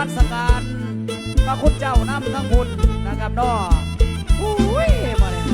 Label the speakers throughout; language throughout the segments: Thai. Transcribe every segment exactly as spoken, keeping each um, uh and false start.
Speaker 1: มัสการพระคุณเจ้านำทั้งบุญนะครับน้ออุ้ยมาเลย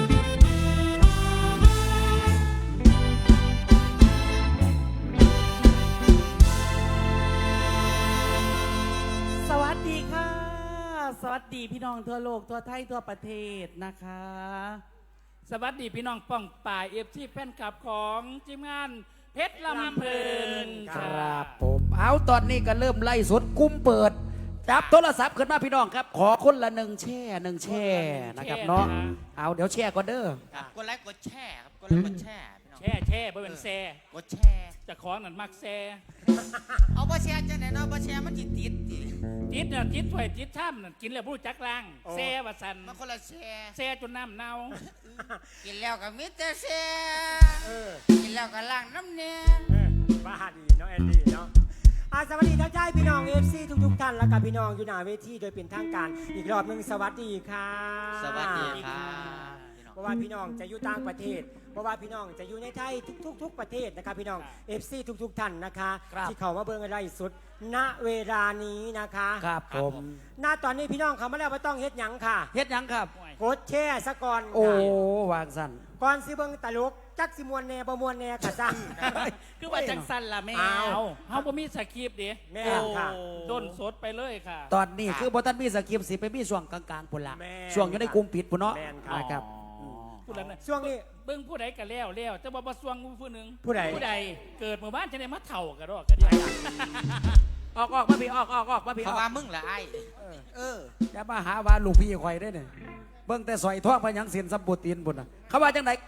Speaker 2: สวัสดีค่ะสวัสดีพี่น้องทั่วโลกทั่วไทยทั่วประเทศนะคะสวัสดีพี่น้องป้องป่ายเอฟซีแฟนคลับของทีมงานเพชรลำเพลิน
Speaker 1: ครับผมเอาตอนนี้ก็เริ่มไล่สดกุ้มเปิดจับโทรศัพท์ขึ้นมาพี่น้องครับขอคนละหนึ่งแช่หนึ่งแช่นะครับเนาะเอาเดี๋ยวแช่ก่อนเด้อ
Speaker 3: ครับกดไลค์กดแชร์ครับกดไลค์กดแชร์พี่น้อง
Speaker 2: แช่แช่บ่เป็นแซ่
Speaker 3: กดแชร์
Speaker 2: จะของนั่นมักแซ่
Speaker 3: เอาบ่แชร์จังไหนเนาะบ่แชร์มันติดติดติ
Speaker 2: จิตน่ะจิตถวยจิตท่ามนั่นกินแล้วผู้จักล่างแซ่ว่าสัน
Speaker 3: มันคนละแชร์
Speaker 2: แซ่จนน้ำเน่า
Speaker 3: กินแล้วก็มิแต่แชร์
Speaker 4: เออ
Speaker 3: กินแล้วก็ล้างน้ำเนี่ย
Speaker 4: เออบ้าดีเนาะแอนดี้เนาะอาสวัสดีท่านใจพี่น้องเอฟซีทุกๆท่านและกับพี่น้องอยู่หน้าเวทีโดยเป็นทางการอีกรอบหนึ่งสวัสดีค่ะ
Speaker 3: สวัสดีครับพี่น้อง
Speaker 4: เพราะว่าพี่น้องจะอยู่ต่างประเทศ เพราะว่าพี่น้องจะอยู่ในไทยทุกๆทุกประเทศนะครับพี่น้องเอฟซีทุกๆท่านนะคะที่เขามาเบิ่งอะไรสุดณเวลานี้นะคะ
Speaker 1: ครับผม
Speaker 4: ณตอนนี้พี่น้องเขามาแล้วว่าต้องเฮ็ดหยังค่ะ
Speaker 1: เฮ็ดหยังครับ
Speaker 4: กดแช่สะก่อน
Speaker 1: โอ้
Speaker 4: ค่ะ
Speaker 1: วางสั่น
Speaker 4: ก่อนสิเบิ่งตลกจักสิมวนแหน่บ่มวนแหน่กะซัง
Speaker 2: คือว่าจังสันล่ะแม่
Speaker 4: อ้าว
Speaker 2: เอาเฮาบ่มีสคริปต์ดิ
Speaker 4: แม่
Speaker 2: โอ้
Speaker 4: ค่ะ
Speaker 2: ด้นสดไปเลยค่ะ
Speaker 1: ตอนนี้คือบอตันมีสกิปสิไปมีช่วงกลางๆปุ่นละ
Speaker 4: แม่น
Speaker 1: ช่วงอยู่ในกลุ่มปิดปุ่นเนาะ
Speaker 4: แม่นครับ
Speaker 1: นะครับ
Speaker 2: ผู้นั้นน่ะ
Speaker 4: ช่วงนี้
Speaker 2: เบิ่งผู้ใดก็แล้วแล้วแต่ว่าบ่สวงผู้หนึง
Speaker 4: ผู้ใด
Speaker 2: ผู้ใดเกิดเมื่อบ้านจะได้มาเฒ่ากันดอกกันเดียว
Speaker 1: ออกออกมาพี่ออกออกออกมาพี่
Speaker 3: เขา
Speaker 1: ออก
Speaker 3: ว่ามึงละไอ้เออ
Speaker 1: อย่ามาหาว่าลูกพี่ข่อยได้เนี่ยเบิ่งแต่สอยท่อพยังเสียนสัมปูตีนปุ่นน่ะเขาว่าจังได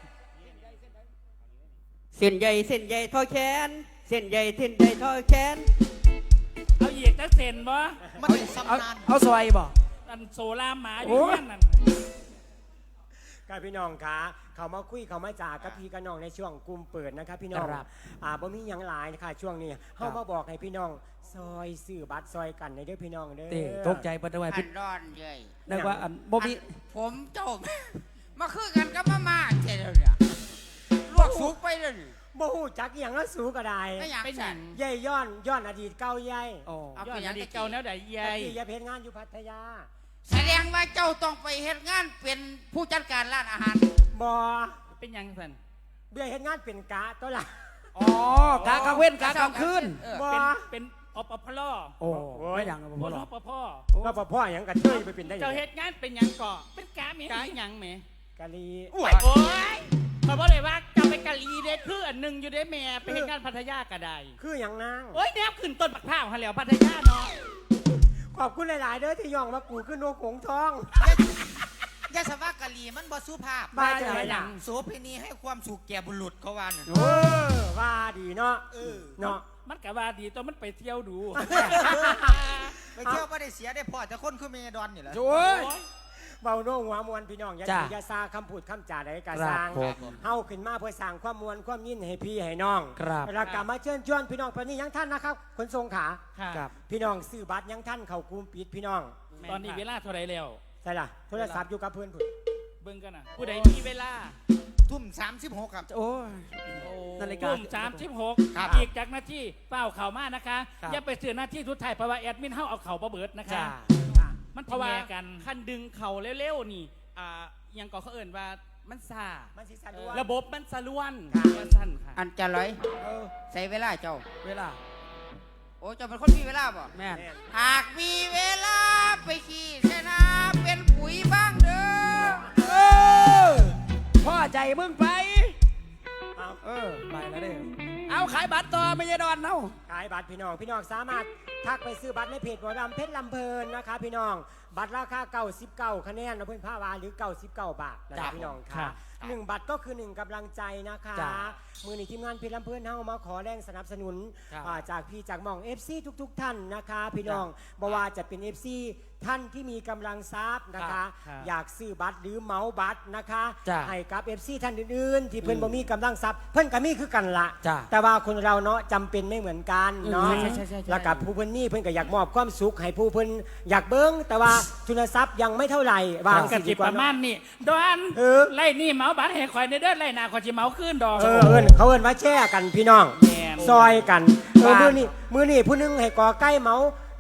Speaker 5: เส้นใหญ่เส้นใหญ่ทอแขนเส้นใหญ่เส้นใหญ่ทอแขน
Speaker 2: เอาเหยียกจักเซนบ่
Speaker 3: มันเป็น
Speaker 1: เอา
Speaker 3: สำนาน
Speaker 1: เอาซอยบ่
Speaker 2: อันโซลามหมาอ
Speaker 1: โอ้
Speaker 2: ยู่
Speaker 1: ย
Speaker 2: นั่นนั่น
Speaker 4: กับพี่น้องคะเขามาคุยเขามาจากกับพี่กับน้องในช่วงกลุ่มเปิดนะครับพี่น้อง
Speaker 1: ครับ
Speaker 4: อ่าบ่มีหยังหลายนะคะช่วงนี้เขามาบอกให้พี่น้องซอยซื้อบัตรซอยกันในเด้อพี่น้องเด้อ
Speaker 1: เต้ตกใจเปิดไว้
Speaker 3: พั
Speaker 1: พี่
Speaker 3: นร้อนเย้ย
Speaker 1: นึกว่าอันบ่มี
Speaker 3: อันผมเจ้ามาคือกันกับมาม่าเจ๊เดี๋ยวเนี่ยลวกสุกไปเลย
Speaker 4: บ่ฮู้จักอหย่างแล้วสูกระได
Speaker 3: ไม่อยาก
Speaker 2: เป็นห
Speaker 3: สั่
Speaker 2: ยั
Speaker 3: น
Speaker 2: ง
Speaker 4: ใหญ่ย้อนย้อนอดีตเก่าใหญ่
Speaker 1: โอ้
Speaker 3: เอา
Speaker 2: ย้อ
Speaker 3: ไป
Speaker 2: น
Speaker 3: ยั
Speaker 2: อง ดี
Speaker 3: ตะ
Speaker 2: เก่า
Speaker 3: กี้
Speaker 2: แนวใดใหญ่
Speaker 4: ตะกี้อย่าเพชรงานอยู่พัทยา
Speaker 3: แสดงว่าเจ้าต้องไปเฮ็ดงานเป็นผู้จัดการร้านอาหาร
Speaker 4: บ่
Speaker 2: เป็นหยังสัน
Speaker 4: เบี้ยเฮ็ดงานเป็นกะตัวละ
Speaker 1: อ๋อกากลางเว้นกากลางคืน
Speaker 3: เออ
Speaker 4: บ่
Speaker 2: เป็นเป็นอปพล
Speaker 1: โอ้ไม่ยังบ่
Speaker 2: บ่
Speaker 1: หร
Speaker 2: ร
Speaker 1: อ
Speaker 2: อก ปภ
Speaker 4: ว่าพ่อหยังกะเทยไปเป็นได้หยั
Speaker 2: เจ้าง เฮ็ดงานเป็นหยังก่อเป็นกาเมียกาหยังแหม
Speaker 4: กะลี
Speaker 2: โอ้ยโอ้ยเขาบอกเลยว่าเจะไปกะลีเด้คืออันหนึงอยู่ได้แม่ไปเฮ็ดงานพัทยาก็ได้
Speaker 4: คือหยังนาง
Speaker 2: โอ้ยแนบขึ้นต้นบักพร้าวหันแล้วพัทยาเนาะ
Speaker 4: ขอบคุณหลาย ๆ เด้อที่ย่องมากูขึ้นนกหงส์ทอง
Speaker 3: ยาสวากะลีมันบ่สุภาพ
Speaker 4: บ้าจังไรล่ะ
Speaker 3: โสเภณีให้ความสุขแก่บุรุษเขาว่าน่ะ
Speaker 4: เออว่าดีเนาะ
Speaker 3: เออ
Speaker 4: เนาะ
Speaker 2: มันก็ว่าดีตอนมันไปเที่ยวดู
Speaker 3: ไปเที่ยวบ่ได้เสียได้พอแต่คนคือเมดอนนี่แหละ
Speaker 1: โอ้ย
Speaker 4: เบาโน้หัวมวลพี่น้องอย่า
Speaker 1: จ้ะ
Speaker 4: ถือยาซาคำพูดคำจาใดกะ
Speaker 1: ครับ
Speaker 4: สร้าง
Speaker 1: ผม
Speaker 4: เฮาขึ้นมาเพื่อสร้างความมวลความยินให้พี่ให้น้อง
Speaker 1: ครับ
Speaker 4: แล้วกลับมาเชิญชวนพี่น้องตอนนี้ยังท่านนะครับขนส่งขา
Speaker 2: ค่ะ
Speaker 1: ครับ
Speaker 4: พี่น้องซื้อบัตรยังท่านเข้ากลุ่มปิดพี่น้อง
Speaker 2: ตอนนี้เวลาเท่าไหรแล้ว
Speaker 4: ใช่ล่ะโทรศัพท์อยู่กับเพื่อนพุ่น
Speaker 2: เบิ่งกันนะผู้ใดมีเวลา
Speaker 3: ทุ่มสามสิบหกครับ
Speaker 1: โอ้ย นาฬิกา
Speaker 2: ทุ่มสามสิบหก
Speaker 3: ครับ
Speaker 2: อีกจากหน้าที่เป้าเข่ามานะคะ
Speaker 1: ครับ
Speaker 2: อย่าไปเสือหน้าที่ทุดไทายเพราะว่าแอดมินเฮาเอาเข่าประเบิดนะคะ
Speaker 1: จ้า
Speaker 2: มัน
Speaker 5: เพ
Speaker 2: ทะ
Speaker 5: ราะว่า
Speaker 2: แยกัน
Speaker 5: คันดึงเข่าเร็วๆนี่อ่าอยังก็เขาเอิ่นว่ามันซา
Speaker 4: มันสิสะดวก
Speaker 5: ระบบมันสะล้วน
Speaker 4: ครับ
Speaker 5: มันสั้นค่ะ
Speaker 3: อันจะร้อย
Speaker 4: เออ
Speaker 3: ใส่เวลาเจ้า
Speaker 1: เวลา
Speaker 3: โอ้เจ้าเป็นคนมีเวลาบ่
Speaker 1: แม่น
Speaker 4: แม่น
Speaker 3: หากมีเวลาไปขี่เสนาเป็นปุ๋ยบ้างเด้อ
Speaker 1: เออพ่อใจมึงไป
Speaker 4: เอา
Speaker 1: เออไปแล้วเด้อเอาขายบัตรต่อไม่ใช่ดอนเนาะ
Speaker 4: ขายบัตรพี่น้องพี่น้องสามารถทักไปซื้อบัตรในเพจหมอลำเพชรลำเพลินนะคะพี่น้องบัตรราคาเก้าสิบเก้าคะแนนนะเพื่อนผ้าวาหรือเก้าสิบเก้าบาทนะ
Speaker 1: ครั
Speaker 4: คะ
Speaker 1: บ
Speaker 4: พี่น้อง
Speaker 1: ครั
Speaker 4: ค่ะ
Speaker 1: บ
Speaker 4: หนึ่งบัตรก็คือหนึ่งกำลังใจนะคะ
Speaker 1: จ้ะ
Speaker 4: มือนี้ทีมงานเพชรลำเพลินเฮามาขอแรงสนับสนุน
Speaker 1: ครับ
Speaker 4: อ่าจากพี่จากหมอง เอฟ ซี ทุก ๆ ท่านนะคะ พี่น้องบว่าจะเป็น เอฟ ซี ท่านที่มีกำลังทรัพย์นะคะ
Speaker 2: ครับ
Speaker 4: อยากซื้อบัตรหรือเหมาบัตรนะคะ
Speaker 1: จ้ะ
Speaker 4: ให้กับ เอฟ ซี ท่านอื่นๆ ที่เพิ่นบ่มีกำลังทรัพย์เพิ่นก็มีคือกันละ
Speaker 1: จ้ะ
Speaker 4: แต่ว่าคนเราเนาะจำเป็นไม่เหมือนกันเนาะ
Speaker 1: อืมใช่ใช่ใช่ใช่
Speaker 4: แล้วกับผู้เพิ่นนี่เพิ่นก็อยากมอบความสุขให้ผู้เพิ่นอยากเบิ้งแต่ว่าทุนทรัพย์ยังไม่เท่าไหร่วาง
Speaker 2: ก
Speaker 4: สิ
Speaker 2: สิ
Speaker 4: ดีก
Speaker 2: ป
Speaker 4: ว่า
Speaker 2: ระมา
Speaker 4: เนาะ
Speaker 2: ณนี้ดอน
Speaker 4: เออ
Speaker 2: ไล่นี่เหมาบัตรให้ข่อยในเด้อไล่หนาข่อยสิเหมาขึ้นดอก
Speaker 4: เออเอิ้นเขาเอิ้นว่าแช่กันพี่น้อง
Speaker 2: แม่น
Speaker 4: ซอยกันเออ
Speaker 1: ว่า
Speaker 4: มื้อนี้มื้อนี้ผู้หนึงให้กอไก่เหมา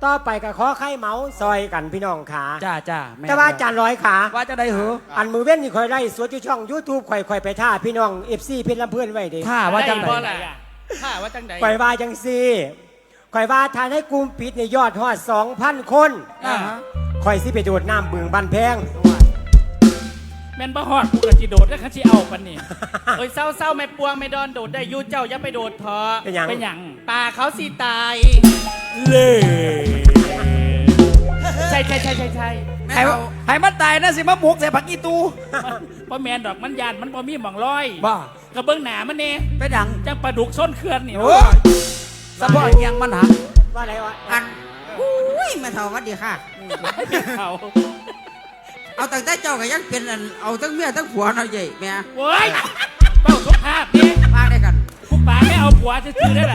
Speaker 4: ต่อไปก็ขอไข่เมาซอยกันพี่น้องขา
Speaker 1: จ้าจ้าม่น
Speaker 4: แต่ว่าอาจารย์ร้อยขา
Speaker 1: ว่าจะได้เหรอ
Speaker 4: อันมือเว้นนี่คอยไล่สวดอยู่ช่อง YouTube ข่อยข่อยไปท่าพี่น้อง เอฟ ซี เพชรลำเพื่อนไว้เด้
Speaker 1: ถ้าว่าจังไหน
Speaker 5: บ่ล่ะถ้าว่าจังใด
Speaker 4: ข่อยว่าจังซี่ข่อยว่าทานให้กลุ่มปิดในยอดฮอด สองพัน คน
Speaker 1: อ่าฮะ
Speaker 4: ข่อยสิไปโดดน้ำบึงบันแพง
Speaker 5: แม่นบ่ฮอดกูก็สิโดดแล้วคันสิเอาปันนี่ เอ้ยเศร้าๆไม่ปวงไม่ดอนโดดได้อยู่เจ้าอย่าไปโดดเถอะ
Speaker 4: เป็นหยัง
Speaker 5: เป็นหยังปลาเขาสิตาย
Speaker 1: เล่
Speaker 5: ใช่ใช่ใช่ใช่ใช่
Speaker 3: แม่
Speaker 1: ให้
Speaker 3: เอา
Speaker 1: ให้มันตายนะสิมาหมกใส่ผักอีตู
Speaker 5: เพราะแมนดอกมันยานมันบ่มีหม่องลอย
Speaker 1: บ้า
Speaker 5: กระเบื้องหนามันนี่
Speaker 1: เป็นหยัง
Speaker 5: จังปลาดุกส้นเคลื่อนนี่
Speaker 1: โอ้ยสะพอเอียงมันหัก
Speaker 4: ว่าไรวะ
Speaker 3: อันอุ้ยแม่เฒ่าหวัดดีค่ะ
Speaker 5: เขา
Speaker 3: เอาตั้งแต่เจ้าก็ยังเป็นอันเอาทั้งเมียทั้งผัวเนาะใหญ่แม่
Speaker 5: โว้ยเป้าสุขภาพนี่
Speaker 3: มาได้กัน
Speaker 5: ผู้ป่าไม่เอาผัวจะซื้อได้ล่ะ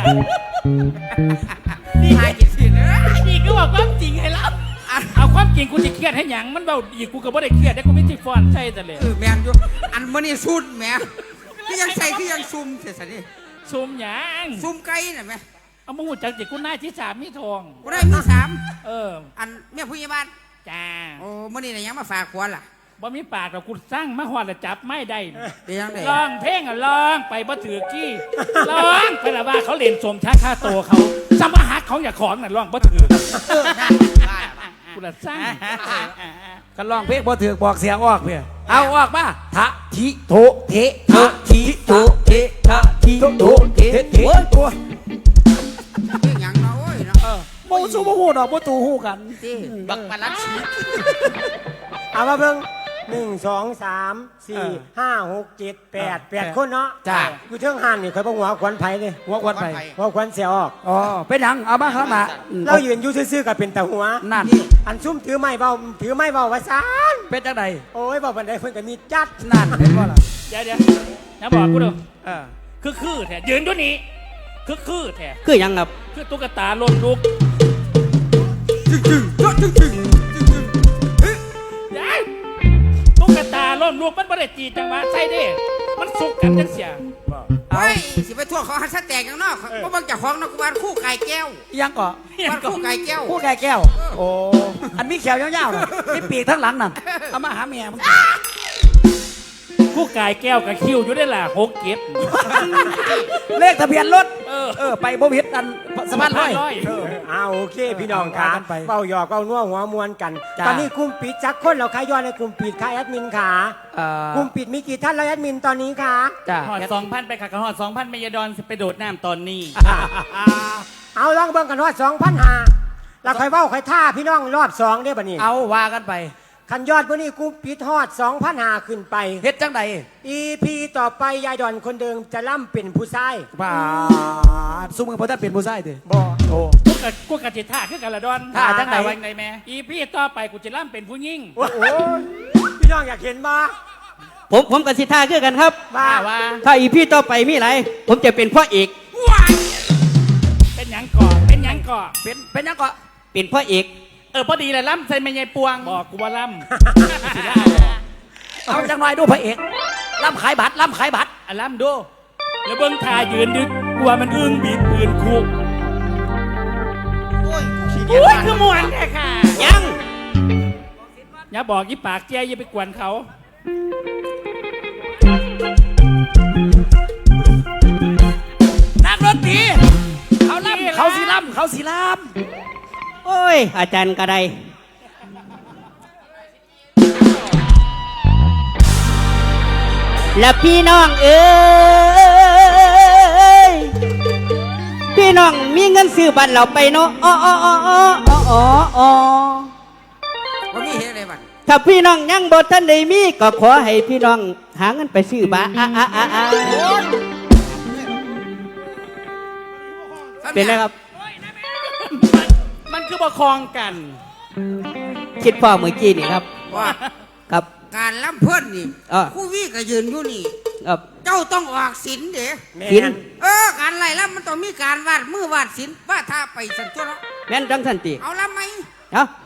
Speaker 3: นี่หากินสิเนอะ
Speaker 5: นี่ก็บอกความจริงให้เราเอาความจริงกูจะเครียดให้หยังมันเบาอีกกูก็บ่ได้เครียดได้กูไม่ที่ฟอนใช่แต่เลย
Speaker 3: เออแม่นอยู่อันมื้อนี้ซุ่นแม่คือยังใส่คือยังซุ่มเสียซะนี่
Speaker 5: ซุ่มหยัง
Speaker 3: ซุ่มไก่น่ะแม่
Speaker 5: เอามาหูจักจิกูหน้าที่สามมีทอง
Speaker 3: กูได้มีสาม
Speaker 5: เออ
Speaker 3: อันแม่ผู้ใหญ่บ้าน
Speaker 5: จ้า
Speaker 3: โอ้มื้อนี้น่ะยังมาฝากผัวล่ะ
Speaker 5: บ่มีปากเรากูสร้างมาหอดแล้วจับไม่ได้
Speaker 3: เป็นยังไง
Speaker 5: ร้องเพลงอ่ะร้องไปบ่ถือกี้ร้องไปละว่าเขาเล่นสมชาค่าโตวเขาสมหักเขาอย่าของน่ะร้องบ่ถือ
Speaker 3: เออนั่นว่าล่ะ
Speaker 5: กูละสร้าง
Speaker 1: กันลองเพลงบ่ถือบอกเสียงออกเพื่อเอาออกมาทะทิโถเททะทิโถเททะทิโถเทเทตัว
Speaker 3: เรื่องหยังเนาะโอ้ยเนาะ
Speaker 1: โมซูโมหูดอกโมตูหูกัน
Speaker 3: ที่บักปลาลัดชี
Speaker 4: เอามาเบิ่งหนึ่งสองสามสี่ห้าหกเจ็ดแปดแปดคนเนาะ
Speaker 1: จ้า
Speaker 4: อยู่เทิงหันนี่ข่อยบ่หัวขวัญไผเลย
Speaker 1: หัวควันไป
Speaker 4: หัวขวัญเสียออก
Speaker 1: อ๋อเป็นหยังเอามาข้างหน้าอืม
Speaker 4: เรายืนอยู่ซื่อๆกับเป็นตาหัว
Speaker 1: นั่น
Speaker 4: อันซุ่มถือไม้เบาถือไม้เบาว่าซาน
Speaker 1: เป็นจังได
Speaker 4: โอ้ยเบาบันไดเพิ่นก็มีจัด
Speaker 1: นั่นเห็นบ่ล่ะ
Speaker 5: เดี๋ยวเดี๋ยวนะบอกกูดู
Speaker 1: เออ
Speaker 5: คือคือแท้ยืนด้วยนี้คือคือแท้
Speaker 6: คือหยังครับ
Speaker 5: คือตุ๊กตาลนลุกยายตุ๊กตาลนลุกมันบ่ได้จีจังหวะใช่เด้มันสุกกันจังเสีย
Speaker 3: เฮ้ยสิไปทั่วเขาหันสะแตกอย่างเนอกเพราะบางเจ้าของนักบานคู่ไก่แก้ว
Speaker 1: ยังก่อ
Speaker 3: บ้านคู่ไก่แก้ว
Speaker 1: ผู้แก่แก้ว โอ้ อันมีแขวยาวๆน่ะมีปีกทั้งหลังนั่นเอามาหาเมียมึง
Speaker 5: คู่กายแก้วกับคิวอยู่ได้ล่ะหกเก็บ
Speaker 1: เลขทะเบียนรถ
Speaker 5: เออ
Speaker 1: เออ ไปบ่ผิดอันสะพานลอย
Speaker 5: ร้อย
Speaker 1: เออ
Speaker 4: อ้าวโอเค พี่น้องค่ะ
Speaker 1: ว่ากันไป
Speaker 4: เบาหยอกเบานัวหัวมวนกัน
Speaker 1: จ้า
Speaker 4: ตอนนี้กลุ่มปิดจักคนเราขายยอดในกลุ่มปิดค่ะแอดมินค่ะ
Speaker 1: เอ่อก
Speaker 4: ลุ่มปิดมีกี่ท่านแล้วแอดมินตอนนี้ค่ะ
Speaker 1: จ้า
Speaker 5: หอดสองพันไปค่ะกับหอดสองพันเมยดอนไปโดดน้ำตอนนี้
Speaker 4: เอาลองเบิ่งกันว่าสองพันหาเราค่อยเว้าค่อยท่าพี่น้องรอบสองได้บ่นี่
Speaker 1: เอาว่ากันไป
Speaker 4: คันยอดมื้อนี้กลุ่มปิดฮอดสองพันหาขึ้นไป
Speaker 1: เฮ็ดจังใด
Speaker 4: อี พี ต่อไปยายดอนคนเดิมจะล่ำเป็นผู้ชาย
Speaker 1: บ้าสู้มือพอท่านเป็นผู้ชายดิ
Speaker 4: บ่
Speaker 1: โอ้
Speaker 5: กูกับกูกับจิท่าคือกันละดอน
Speaker 1: ท่าจังไหน
Speaker 5: วันไหนแม่อีพี่ต่อไปกูจะล่ำเป็นผู้ยิ่ง
Speaker 4: โอ้โหพี่น้องอยากเห็นบ่
Speaker 6: ผมผมกับสิท่าคือกันครับ
Speaker 4: ว่า
Speaker 5: ว่าว่า
Speaker 6: ถ้าอีพี่ต่อไปมีอะไรผมจะเป็นพ่อเอก
Speaker 5: เป็นหยังก่อเป็นหยังก่อ
Speaker 1: เป็นเป็นยังก็
Speaker 6: เป็นพ่อเอก
Speaker 5: เออพอดีเลยล่ำใส่ไม่ใหญ่ปวงบอกกูว่าล่ำ
Speaker 1: เอาจังหน่อยดูพระเอกล่ำขายบัตรล่ำขายบัตร
Speaker 5: อ่ะล่ำดูแล้วเบิ้งทายืนดึกกลัวมันอึ้งบีบปืนคุก
Speaker 3: โอ้ยขี้เกียจ
Speaker 5: อุ้ย
Speaker 3: บ้าน
Speaker 5: คือมวนแท้ค่ะ
Speaker 6: ยัง
Speaker 5: อย่าบอกยี่ปากเจ้ยอย่าไปกวนเขา
Speaker 1: นักดนตรีเขาล่ำเขาสีล่ำเขาสีล่
Speaker 6: โอ้ย อาจารย์กระไดและพี่น้องเอ้ยพี่น้องมีเงินซื้อบัตรเราไปเนาะอ๋ออ๋ออ๋ออ๋ออ๋ออ๋อ
Speaker 3: ว่ามีเฮ็ดอะไรบ้าง
Speaker 6: ถ้าพี่น้องยังบ่ทันได้มีก็ขอให้พี่น้องหาเงินไปซื้อบัตรอ่ะอ่ะอ่ะอ่ะเป็นไงครับ
Speaker 5: มันมันคือประคองกัน
Speaker 6: คิดพ่อเมื่อกี้นี่ครับ
Speaker 3: ว่า
Speaker 6: ครับ
Speaker 3: การล้ำเพื่อนนี่
Speaker 6: เออ
Speaker 3: คู่วี่ก็ยืนอยู่นี่
Speaker 6: ครับ
Speaker 3: เจ้าต้องออกศิลเด้
Speaker 4: แม่
Speaker 6: กิน
Speaker 4: น
Speaker 3: เออการไล่ล้ำมันต้องมีการวาดมือวาดศิลว่าถ้าไปสันตัวเนาะ
Speaker 6: แม่นจังสันติ
Speaker 3: เอาล้ำไหม
Speaker 6: เนาะ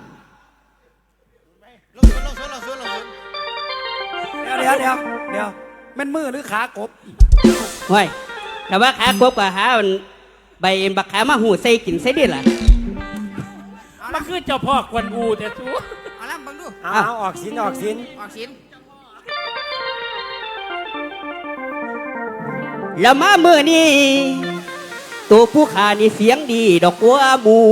Speaker 1: ำเดี๋ยวเดี๋ยวเดี๋ยวเดี๋ยวมันมือหรือขากบ
Speaker 6: ห้วยแต่ว่าขากบกับหาอันใบบักขามาหูใส่กินใส่ดิล่ะ
Speaker 5: มาคือเจ้าพ่อกวนอูแต่สู้
Speaker 3: เอาล่ะบังดู
Speaker 4: เอาเอาออกสินออกสิน
Speaker 3: ออกสิน
Speaker 6: แล้วมาเมื่อนี้ตัวผู้ขานี่เสียงดีดอกกัวหมู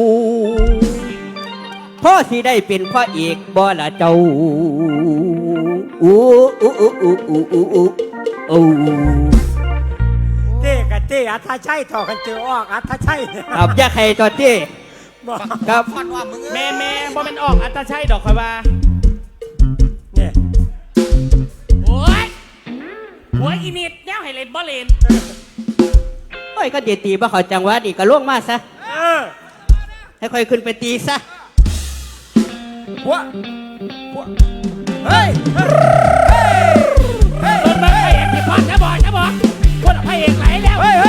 Speaker 6: พ่อสิได้เป็นพระเอกบ่ละเจ้าอู้อู้อู้อู้อู้อู้อู้อู้
Speaker 4: เต้กับเต้อัธชัยต่อกันเจอออกอัธชัย
Speaker 6: ครับอยาใครต่อเจ้
Speaker 4: บอก
Speaker 6: ครับ
Speaker 3: มันว่ามึง
Speaker 5: แม่แม่บ่เป็นออกอัตชัยดอกคอยว่า
Speaker 4: เนี่ย
Speaker 5: โอ้ยหัวอีนิดแนวให้เล่นบ่เล่น
Speaker 6: โอ้ยก็เดี๋ยวตีบ่เขาจังหวะนี่ก็ล่วงมาซะ
Speaker 4: เออ
Speaker 6: ให้ค่อยขึ้นไปตีซะ
Speaker 1: หัวหัวเฮ้ย
Speaker 5: ต้นไม้พระเอกที่พอดนะบอกนะบอกคนพระเอกไหลแล้ว
Speaker 1: เฮ้ยเฮ้ย